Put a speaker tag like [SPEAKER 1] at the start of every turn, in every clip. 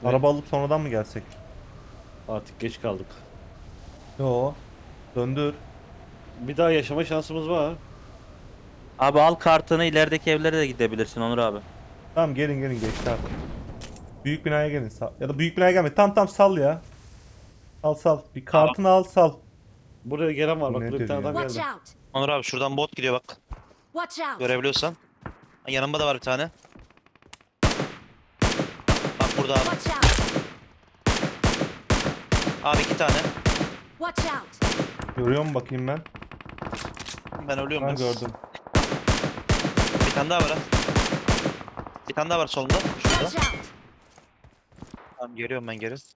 [SPEAKER 1] Araba alıp sonradan mı gelsek?
[SPEAKER 2] Artık geç kaldık.
[SPEAKER 1] Yo. Döndür.
[SPEAKER 2] Bir daha yaşama şansımız var.
[SPEAKER 3] Abi al kartını, ilerideki evlere de gidebilirsin Onur abi.
[SPEAKER 1] Tamam gelin geçti artık. Büyük binaya gelin. Ya da büyük binaya gelme. Tam sal ya. Sal. Bir kartını al sal.
[SPEAKER 2] Buraya gelen var bak,
[SPEAKER 1] Nedir
[SPEAKER 2] burada bir tane
[SPEAKER 1] ya?
[SPEAKER 2] adam
[SPEAKER 4] Watch
[SPEAKER 2] geldi.
[SPEAKER 4] out!
[SPEAKER 5] Onur abi şuradan bot gidiyor bak.
[SPEAKER 4] Watch out!
[SPEAKER 5] Görebiliyorsan. Yanımda da var bir tane. Bak burada abi.
[SPEAKER 4] Watch out!
[SPEAKER 5] Abi 2 tane.
[SPEAKER 4] Watch out!
[SPEAKER 1] Görüyor mu bakayım ben?
[SPEAKER 5] Ben ölüyorum.
[SPEAKER 1] Ben
[SPEAKER 5] biraz.
[SPEAKER 1] gördüm.
[SPEAKER 5] Bir tane daha var ha. Bir tane daha var solunda. Şurada.
[SPEAKER 4] Watch out!
[SPEAKER 5] Tamam geliyorum ben geri.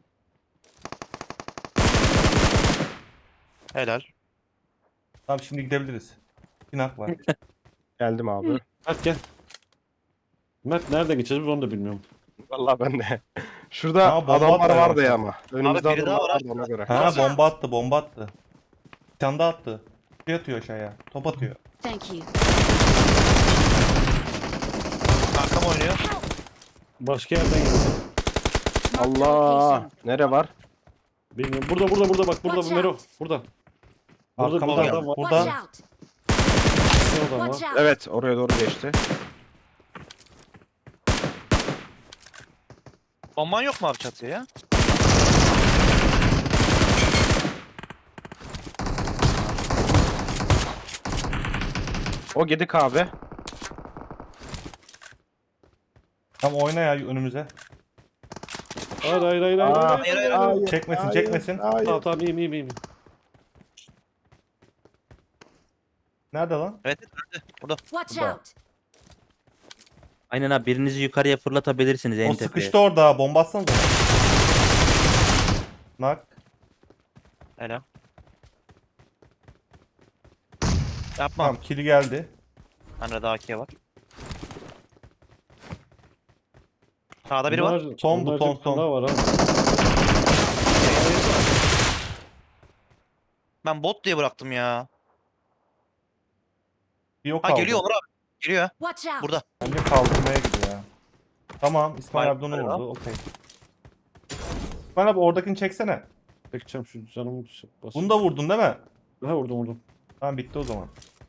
[SPEAKER 5] Helal.
[SPEAKER 1] Tamam şimdi gidebiliriz. Pinak var.
[SPEAKER 6] Geldim abi.
[SPEAKER 2] Mert gel. Mert nereden geçeceğiz biz onu da bilmiyorum.
[SPEAKER 6] Vallahi ben de. Şurada
[SPEAKER 1] Ha, bomba
[SPEAKER 6] adamlar
[SPEAKER 1] atmaya
[SPEAKER 6] vardı
[SPEAKER 1] başladı.
[SPEAKER 6] ya ama. Önümüzde
[SPEAKER 5] biri daha
[SPEAKER 6] adamlar
[SPEAKER 5] var
[SPEAKER 6] vardı ona göre.
[SPEAKER 1] Ha bomba attı. Bir tane daha attı. Şey atıyor aşağıya. Top atıyor.
[SPEAKER 4] Thank you.
[SPEAKER 5] Arkam oynuyor.
[SPEAKER 2] Başka yerden geldi.
[SPEAKER 4] Marked a
[SPEAKER 6] Allah.
[SPEAKER 4] location.
[SPEAKER 6] Nere var?
[SPEAKER 2] Bilmiyorum. Burada bak burada
[SPEAKER 4] Watch
[SPEAKER 2] Mero.
[SPEAKER 4] out.
[SPEAKER 2] Burada. Burada bir
[SPEAKER 1] Arkamda.
[SPEAKER 2] adam var.
[SPEAKER 4] Watch
[SPEAKER 1] Burada.
[SPEAKER 4] out!
[SPEAKER 2] Bir adam
[SPEAKER 4] Watch
[SPEAKER 2] var.
[SPEAKER 4] out!
[SPEAKER 6] Evet oraya doğru geçti.
[SPEAKER 5] Bomban yok mu abi çatıya ya?
[SPEAKER 6] O gidik abi.
[SPEAKER 1] Tamam oyna ya önümüze.
[SPEAKER 2] Hayır.
[SPEAKER 6] Aa,
[SPEAKER 5] hayır.
[SPEAKER 1] Çekmesin.
[SPEAKER 6] Hayır.
[SPEAKER 2] Tamam iyiyim.
[SPEAKER 1] Nerede lan?
[SPEAKER 5] Evet nerede? Burada.
[SPEAKER 4] Watch
[SPEAKER 1] Burada.
[SPEAKER 4] out!
[SPEAKER 3] Aynen abi, birinizi yukarıya fırlatabilirsiniz en
[SPEAKER 1] O
[SPEAKER 3] tepeye.
[SPEAKER 1] sıkıştı orada. Bomba atsanıza. Nak.
[SPEAKER 5] Helal. Yapma.
[SPEAKER 1] Tamam kili geldi.
[SPEAKER 5] Bende daha AK var. Sağda biri var.
[SPEAKER 1] Son
[SPEAKER 2] bunlar
[SPEAKER 1] buton,
[SPEAKER 2] bir tane
[SPEAKER 1] son.
[SPEAKER 2] daha var ha.
[SPEAKER 5] Ben bot diye bıraktım ya.
[SPEAKER 1] Bir yok
[SPEAKER 5] Ha
[SPEAKER 1] kaldı.
[SPEAKER 5] geliyor Onur abi. Geliyor ha.
[SPEAKER 4] Watch out!
[SPEAKER 5] Burada.
[SPEAKER 1] Bence kaldırmaya gidiyor ya. Tamam İsmail
[SPEAKER 5] Vay,
[SPEAKER 1] abi de onu
[SPEAKER 5] vay
[SPEAKER 1] vurdu. Okey. İsmail abi oradakini çeksene.
[SPEAKER 2] Çekeceğim şu canımı basayım.
[SPEAKER 1] Bunu da vurdun değil mi?
[SPEAKER 2] Ha vurdum.
[SPEAKER 1] Tamam bitti o zaman.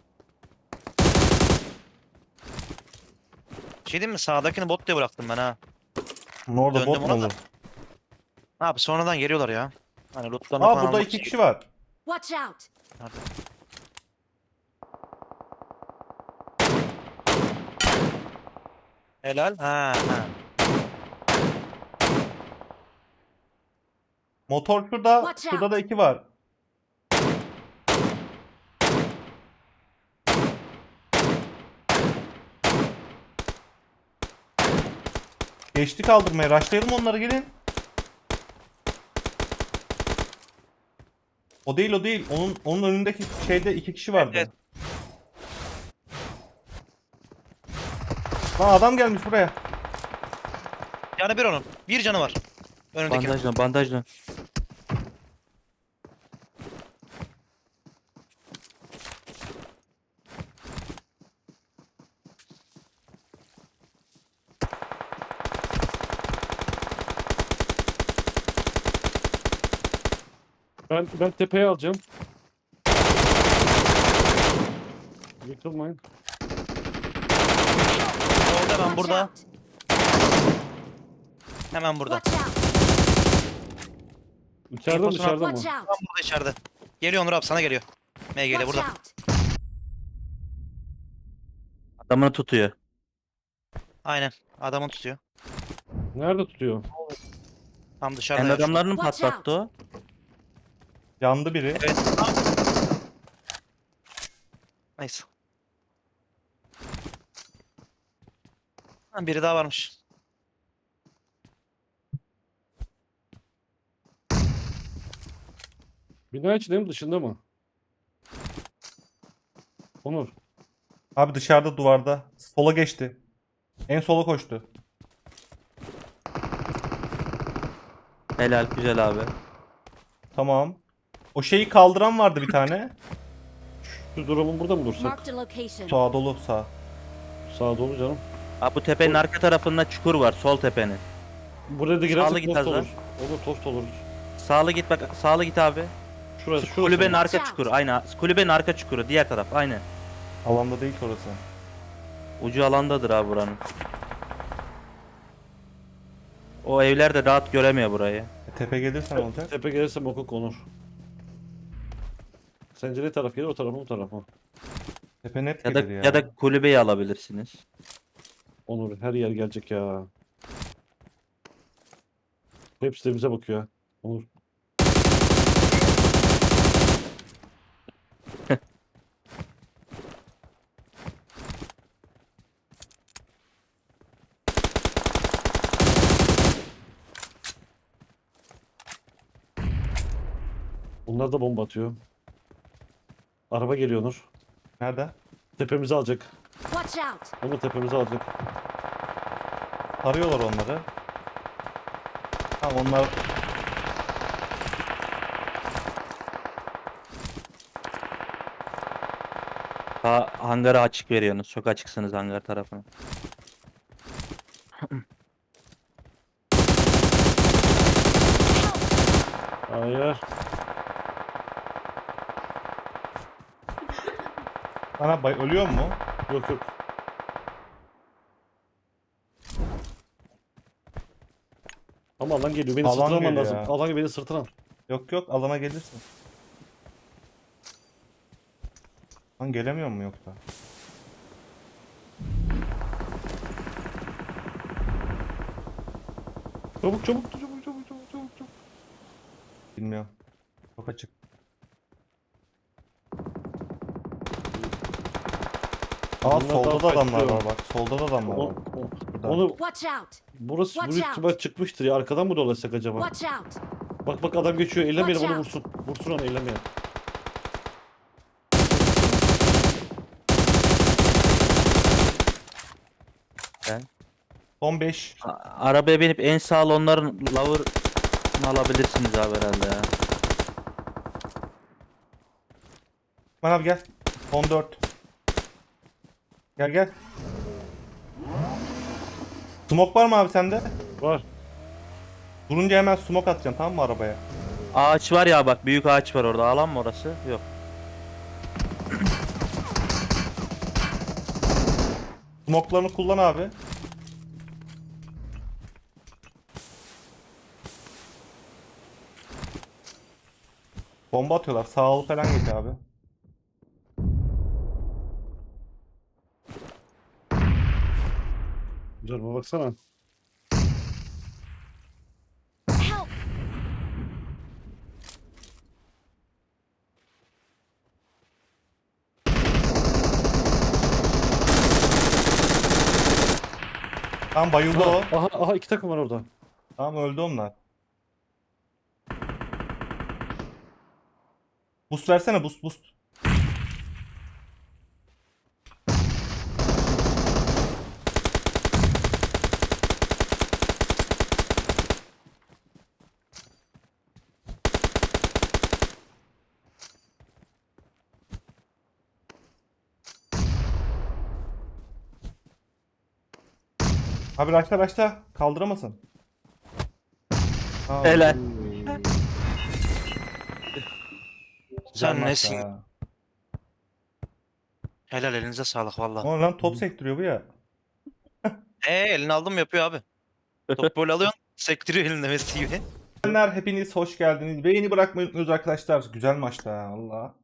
[SPEAKER 5] Şey diyeyim mi? Sağdakini bot diye bıraktım ben ha.
[SPEAKER 1] Bunun orada
[SPEAKER 5] Döndüm
[SPEAKER 1] bot mu
[SPEAKER 5] ona da.
[SPEAKER 1] olur?
[SPEAKER 5] Ne yapayım sonradan geliyorlar ya. Hani lootlarını
[SPEAKER 1] Aa
[SPEAKER 5] falan
[SPEAKER 1] burada
[SPEAKER 5] almak
[SPEAKER 1] 2
[SPEAKER 5] için
[SPEAKER 1] kişi var.
[SPEAKER 4] Watch out!
[SPEAKER 5] Nerede? Helal. Ha.
[SPEAKER 1] Motor şurada.
[SPEAKER 4] Watch
[SPEAKER 1] Şurada
[SPEAKER 4] out.
[SPEAKER 1] da 2 var. Geçti kaldırmaya. Rushlayalım onları gelin. O değil. Onun önündeki şeyde 2 kişi vardı.
[SPEAKER 5] Evet.
[SPEAKER 1] Lan adam gelmiş buraya.
[SPEAKER 5] Canı bir onun. Bir canı var. Önündeki.
[SPEAKER 3] Bandajla.
[SPEAKER 2] Ben tepeye alacağım. Yıkılmayın.
[SPEAKER 5] Orada ben
[SPEAKER 4] Watch
[SPEAKER 5] burada.
[SPEAKER 4] out!
[SPEAKER 5] Hemen burada.
[SPEAKER 4] Watch out!
[SPEAKER 2] İçeride mi
[SPEAKER 5] Infosunu
[SPEAKER 2] dışarıda mı?
[SPEAKER 4] Watch
[SPEAKER 5] Tam
[SPEAKER 4] out!
[SPEAKER 5] burada içeride. Geliyor Onur abi sana geliyor. MG'de
[SPEAKER 4] Watch
[SPEAKER 5] burada.
[SPEAKER 4] out!
[SPEAKER 3] Adamını tutuyor.
[SPEAKER 5] Aynen. Adamı tutuyor.
[SPEAKER 2] Nerede tutuyor?
[SPEAKER 5] Tam dışarıda.
[SPEAKER 3] Kendi
[SPEAKER 5] ya şu an.
[SPEAKER 3] adamlarını mı
[SPEAKER 4] Watch
[SPEAKER 3] patlattı o?
[SPEAKER 1] Yandı biri.
[SPEAKER 5] Evet. Neyse. Ha, biri daha varmış.
[SPEAKER 2] Bina içinde mi dışında mı? Onur.
[SPEAKER 1] Abi dışarıda duvarda. Sola geçti. En sola koştu.
[SPEAKER 3] Helal, güzel abi.
[SPEAKER 1] Tamam. O şeyi kaldıran vardı bir tane.
[SPEAKER 2] Şu durumun burada mı dursak?
[SPEAKER 4] Marked a location.
[SPEAKER 1] Sağa dolu sağ.
[SPEAKER 2] Sağa dolu canım.
[SPEAKER 3] Abi bu tepenin arka tarafında çukur var, sol tepenin.
[SPEAKER 2] Buraya da
[SPEAKER 3] Sağlı
[SPEAKER 2] girersek
[SPEAKER 3] git
[SPEAKER 2] tost
[SPEAKER 3] az daha.
[SPEAKER 2] olur. Olur tost olur.
[SPEAKER 3] Sağlı git bak. Sağlı git abi.
[SPEAKER 2] Şurası
[SPEAKER 3] Kulübenin
[SPEAKER 2] mı?
[SPEAKER 3] arka çukuru. Aynen. Kulübenin arka çukuru. Diğer taraf. Aynen.
[SPEAKER 1] Alanda değil ki orası.
[SPEAKER 3] Ucu alandadır abi buranın. O evler de rahat göremiyor burayı.
[SPEAKER 1] Tepe gelirsen olacak.
[SPEAKER 2] Tepe gelirse boku konur. Sence ne taraf gelir, o tarafa mı, bu tarafa mı?
[SPEAKER 1] Tepe net
[SPEAKER 3] Ya da
[SPEAKER 1] gelir ya.
[SPEAKER 3] ya da kulübeyi alabilirsiniz.
[SPEAKER 2] Onur, her yer gelecek ya. Hepsi de bize bakıyor ha. Onur. Bunlar da bomba atıyor. Araba geliyor Onur.
[SPEAKER 1] Nerede?
[SPEAKER 2] Tepemizi alacak.
[SPEAKER 4] Watch out!
[SPEAKER 2] Onur tepemizi alacak.
[SPEAKER 1] Arıyorlar onları. Tamam onlar
[SPEAKER 3] Hangara açık veriyorsunuz. Çok açıksınız hangar tarafına.
[SPEAKER 2] Hayır.
[SPEAKER 1] bana ölüyor mu?
[SPEAKER 2] Yok yok. Ama alan geliyor. Beni
[SPEAKER 1] Alan
[SPEAKER 2] sırtlaman
[SPEAKER 1] geliyor
[SPEAKER 2] lazım.
[SPEAKER 1] ya.
[SPEAKER 2] Alan beni sırtıran.
[SPEAKER 1] Yok yok alana gelirsin. Lan gelemiyor mu yoksa?
[SPEAKER 2] Çabuk çabuk çabuk çabuk çabuk çabuk çabuk.
[SPEAKER 1] Bilmiyorum. Çok açık. Aa
[SPEAKER 2] Bunlar
[SPEAKER 1] solda
[SPEAKER 2] daha
[SPEAKER 1] da adamlar
[SPEAKER 2] farklı.
[SPEAKER 1] var bak. Solda da adamlar var. Burada.
[SPEAKER 2] Onu
[SPEAKER 4] Watch out!
[SPEAKER 2] burası
[SPEAKER 4] Watch
[SPEAKER 2] büyük
[SPEAKER 4] out.
[SPEAKER 2] ihtimal çıkmıştır ya. Arkadan mı dolaşsak acaba?
[SPEAKER 4] Watch out!
[SPEAKER 2] Bak bak adam geçiyor. Ellemeyelim
[SPEAKER 4] Watch
[SPEAKER 2] onu
[SPEAKER 4] out.
[SPEAKER 2] vursun. Vursun onu ellemeyelim.
[SPEAKER 1] Son 5.
[SPEAKER 3] Arabaya binip en sağlı onların lower'ını alabilirsiniz abi herhalde ya.
[SPEAKER 1] Aman abi gel. Son 4. Gel gel. Smoke var mı abi sende?
[SPEAKER 2] Var.
[SPEAKER 1] Durunca hemen smoke atacaksın tamam mı arabaya?
[SPEAKER 3] Ağaç var ya bak, büyük ağaç var orada. Alan mı orası? Yok.
[SPEAKER 1] Smoke'larını kullan abi. Bomba atıyorlar. Sağ ol falan geç abi.
[SPEAKER 2] Canıma baksana.
[SPEAKER 4] Help!
[SPEAKER 1] Tamam bayıldı o.
[SPEAKER 2] Aha aha iki takım var orada.
[SPEAKER 1] Tamam öldü onlar. Boost versene boost boost. Abi raşla kaldıramasın. Aa,
[SPEAKER 3] Helal.
[SPEAKER 1] güzel
[SPEAKER 5] Sen
[SPEAKER 1] maç
[SPEAKER 5] nesin?
[SPEAKER 1] ya.
[SPEAKER 5] Helal, elinize sağlık valla.
[SPEAKER 1] O lan top sektiriyor bu ya.
[SPEAKER 5] Elini aldım yapıyor abi. Top böyle alıyorsun. Sektiriyor elinde Messi gibi.
[SPEAKER 1] Hepiniz hoş geldiniz. Beğeni bırakmayı unutmuyoruz arkadaşlar. Güzel maçtı ha Allah.